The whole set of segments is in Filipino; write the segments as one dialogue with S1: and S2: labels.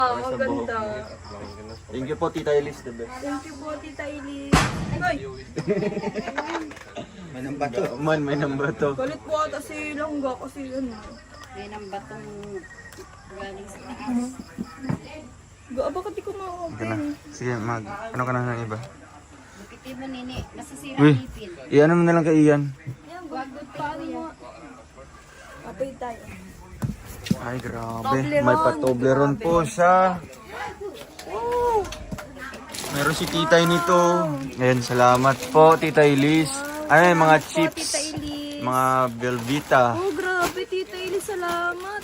S1: Maganda.
S2: Thank you po, Tita Elise, the best.
S1: Thank you po, Tita Elise. Ay!
S2: May number to. Man, may number to.
S1: Galit po ata si Langga kasi ano.
S3: May nang batong galing sa taas.
S1: Bakit di ko
S2: Sige na.
S1: ma-open?
S2: Sige, ano ka na ng iba?
S3: Bukitin mo nini, masasira
S2: Uy,
S3: ang ipin.
S2: i-ano mo na lang kay Ian.
S3: Huwag mo paano mo.
S1: Apay tayo.
S2: Ay, grabe.
S1: Toblerone.
S2: May pa-Toblerone po siya. Meron si Titay nito. Ayan, salamat po, Tita Elise. Ano yung mga chips?
S1: Tita Elise.
S2: Mga Belvita.
S1: Oh, grabe, Tita Elise. Salamat.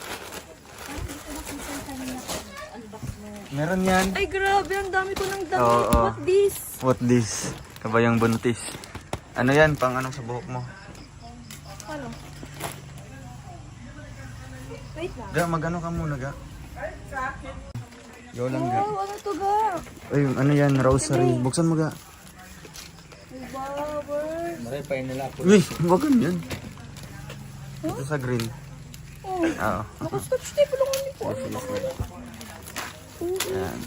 S2: Meron yan.
S1: Ay, grabe. Ang dami ko ng damit.
S2: Oo.
S1: What this?
S2: What this? Kabayang buntis. Ano yan? Pang anong sa buhok mo?
S1: Ano? Wait lang.
S2: Ga, mag-ano ka muna, ga? Yo lang, ga.
S1: Wow, ano to ga?
S2: Ay, ano yan? Rosary. Buksan mo, ga.
S1: Wow,
S2: Uy, wag ganyan. Ito sa green.
S1: Oh,
S2: Oo.
S1: nakastouch tape lang ulit po.
S2: Ayan.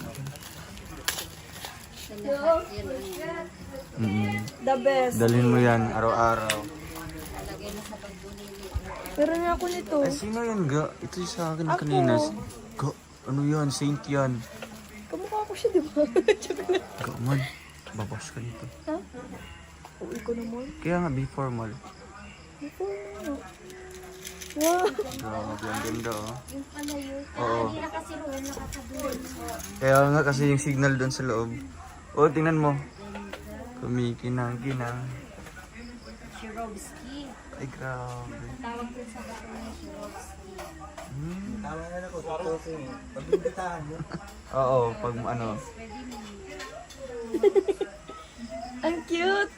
S1: The best.
S2: Dalhin mo yan araw-araw.
S1: Pero na ako nito.
S2: Ay, sino yan, ga? Ito yung sa akin kanina. Ga, ano yan? Saint yan.
S1: Kamukha ko siya, di ba?
S2: Ga, man. Babas ka nito.
S1: Ha? Uwi ko naman.
S2: Kaya nga, be formal.
S1: Wow.
S2: Grabe, ang ganda, oh.
S3: Yung pala yun.
S2: Oo.
S3: Hindi na kasi roon nakakadulo.
S2: Kaya nga kasi yung signal doon sa loob. Oh, tingnan mo. Kumikinang-kinang.
S3: Shirovsky.
S2: Ay, grabe.
S3: Tawag ko sa bato ni Shirovsky.
S2: Oo, pag ano.
S1: Ang cute.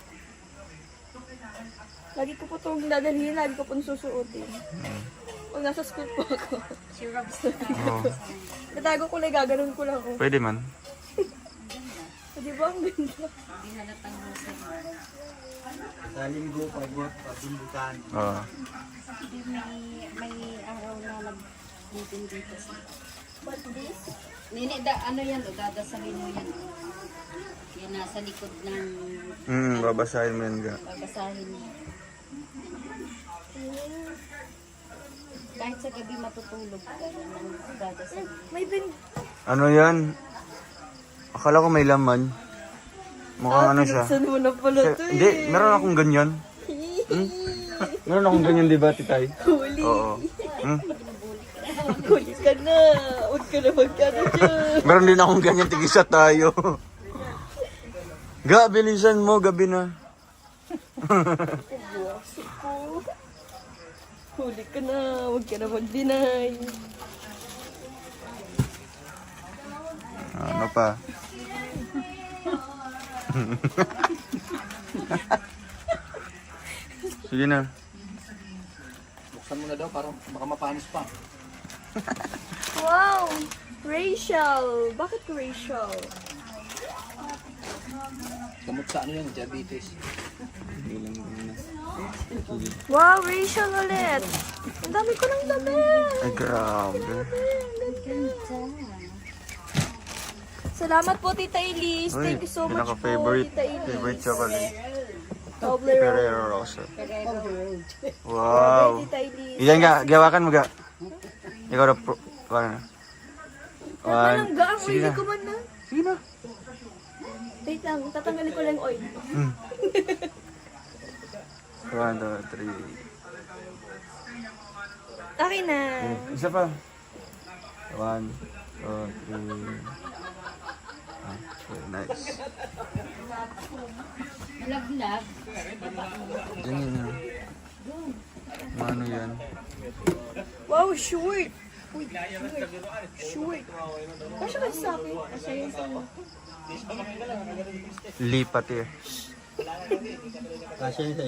S1: Lagi ko po itong dadalhin, lagi ko po susuotin. Pag nasa school po ako.
S3: Shirovsky.
S2: Oo.
S1: Natago ko lang, gaganon ko lang ako.
S2: Pwede man.
S1: Di ba ang ganda?
S3: Hindi halatang husay.
S2: Oo.
S3: Hindi may araw na nag-meeting dito sa...
S1: What this?
S3: Nini, ano yan o? Dadasalin mo yan o. Yan nasa likod ng
S2: Babasahin mo yan, ga.
S3: babasahin mo. Kahit sa gabi matutulog ka ng dadasalin.
S1: May bin...
S2: Ano yan? Akala ko may laman. Mukhang ano siya.
S1: Saan mo na pala to
S2: Hindi, meron akong ganyan. Meron akong ganyan, di ba, Titay?
S1: Huli.
S2: Oo.
S1: Huli ka na. Huwag ka na magkano dyan.
S2: Meron din akong ganyan, tigisa tayo. Ga, bilisan mo, gabi na.
S1: Buwasok ko. Huli ka na. Huwag ka na mag-deny.
S2: Ano pa? Sige na.
S4: Buksan mo na daw para baka mapanis pa.
S1: Wow! Rachel! Bakit Rachel?
S4: Gamot sa ano yan, diabetes.
S1: Wow, Rachel ulit! Ang dami ko ng damit!
S2: Ay, grabe.
S1: Salamat po, Tita Elise.
S2: Uy,
S1: Thank you so much po,
S2: pinaka-favorite
S1: Tita Elise.
S2: favorite chocolate.
S1: Toblerone.
S2: Ferrero Rocher. Wow.
S1: Tita Elise.
S2: Iyan nga, gawakan mo ga. Ikaw na pro. Ano?
S1: Walang gaang
S2: Sige
S1: oily
S2: na.
S1: ko man na.
S2: Sige na.
S1: Wait lang, tatanggalin ko lang yung oil.
S2: 1, 2, 3.
S1: Akin na.
S2: Isa pa. 1, 2, 3. Okay, nice.
S3: Laglag.
S2: Ganyan na. Ano yan?
S1: Wow, short! Uy, short. Kasya ba sa akin?
S2: Lipat eh.